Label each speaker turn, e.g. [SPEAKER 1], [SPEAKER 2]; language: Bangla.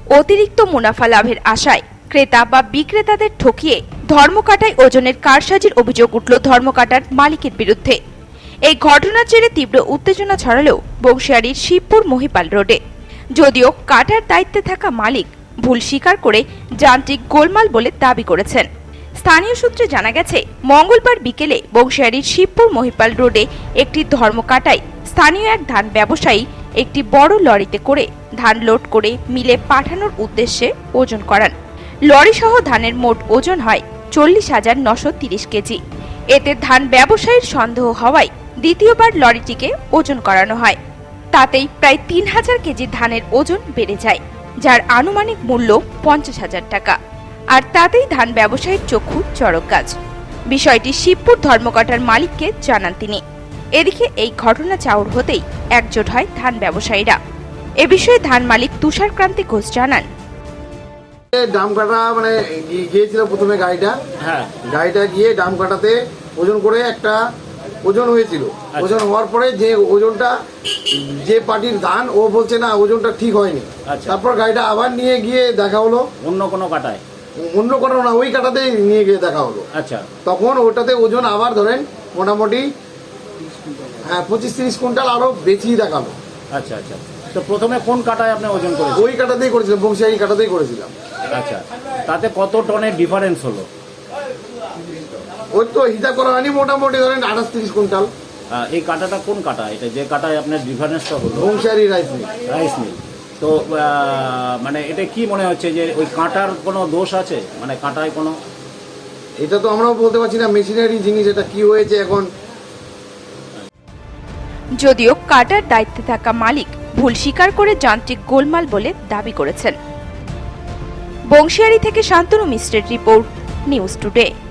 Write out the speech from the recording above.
[SPEAKER 1] অতিরিক্ত মুনাফা লাভের আশায় ক্রেতা বা বিক্রেতাদের ঠকিয়ে ধর্মকাটায় ওজনের কারসাজির অভিযোগ উঠল ধর্মকাটার মালিকের বিরুদ্ধে। এই ঘটনার জেরে তীব্র উত্তেজনা ছড়ালো বংশিয়ারির শিবপুর মহিপাল রোডে। যদিও কাটার দায়িত্বে থাকা মালিক ভুল স্বীকার করে যান্ত্রিক গোলমাল বলে দাবি করেছেন। স্থানীয় সূত্রে জানা গেছে, মঙ্গলবার বিকেলে বংশিয়ারির শিবপুর মহিপাল রোডে একটি ধর্মকাটায় স্থানীয় এক ধান ব্যবসায়ী একটি বড় লরিতে করে ধান লোড করে মিলে পাঠানোর উদ্দেশ্যে ওজন করান। লরি সহ ধানের মোট ওজন হয় 40,930 কেজি। এতে ধান ব্যবসায়ীর সন্দেহ হওয়ায় দ্বিতীয়বার লরিটিকে ওজন করানো হয়। তাতেই প্রায় 3,000 কেজি ধানের ওজন বেড়ে যায়, যার আনুমানিক মূল্য 50,000 টাকা। আর তাতেই ধান ব্যবসায়ীর চক্ষু চড়ক গাছ। বিষয়টি শিবপুর ধর্মকাটার মালিককে জানান তিনি। এদিকে এই ঘটনা চাউর হতেই একজোট হয় ধান ব্যবসায়ীরা। এ বিষয়ে ধান মালিক তুষার ক্রান্তি ঘোষ জানান,
[SPEAKER 2] ডাম কাটা মানে গিয়েছিল প্রথমে গাড়িটা গিয়ে ডাম কাটাতে ওজন করে একটা ওজন হয়েছিল। ওজন হওয়ার পরে যে ওজনটা যে পার্টির ধান ও বলছে না ওজনটা ঠিক হয়নি। তারপর গাড়িটা আবার নিয়ে গিয়ে দেখা হলো
[SPEAKER 3] অন্য কোনো কাটায়,
[SPEAKER 2] অন্য কোনো না ওই কাটাতেই নিয়ে গিয়ে দেখা হলো।
[SPEAKER 3] আচ্ছা,
[SPEAKER 2] তখন ওটাতে ওজন আবার ধরেন মোটামুটি 25-30 কুইন্টাল আরো বেশি দেখালো।
[SPEAKER 3] আচ্ছা আচ্ছা। তো প্রথমে কোন কাটায় আপনি ওজন করেছেন?
[SPEAKER 2] ওই কাটাতেই করেছিলাম, বংশিয়ারি কাটাতেই করেছিলাম।
[SPEAKER 3] আচ্ছা, তাতে কত টনের ডিফারেন্স হলো?
[SPEAKER 2] ওই তো হিসাব করা হয়নি, মোটামুটি ধরেন 28-30 কুইন্টাল।
[SPEAKER 3] এই কাটাটা কোন কাটা? এটা যে কাটায় আপনার ডিফারেন্সটা হলো?
[SPEAKER 2] Bansihari rice mill.
[SPEAKER 3] তো মানে এটা কি মনে হচ্ছে যে ওই কাঁটার কোনো দোষ আছে? মানে কাঁটায় কোনো,
[SPEAKER 2] এটা তো আমরাও বলতে পারছি না, মেশিনারি জিনিস, এটা কি হয়েছে এখন।
[SPEAKER 1] যদিও কাটার দায়িত্বে থাকা মালিক ভুল স্বীকার করে যান্ত্রিক গোলমাল বলে দাবি করেছেন। বংশিয়ারি থেকে শান্তনু মিশ্রের রিপোর্ট, নিউজ টুডে।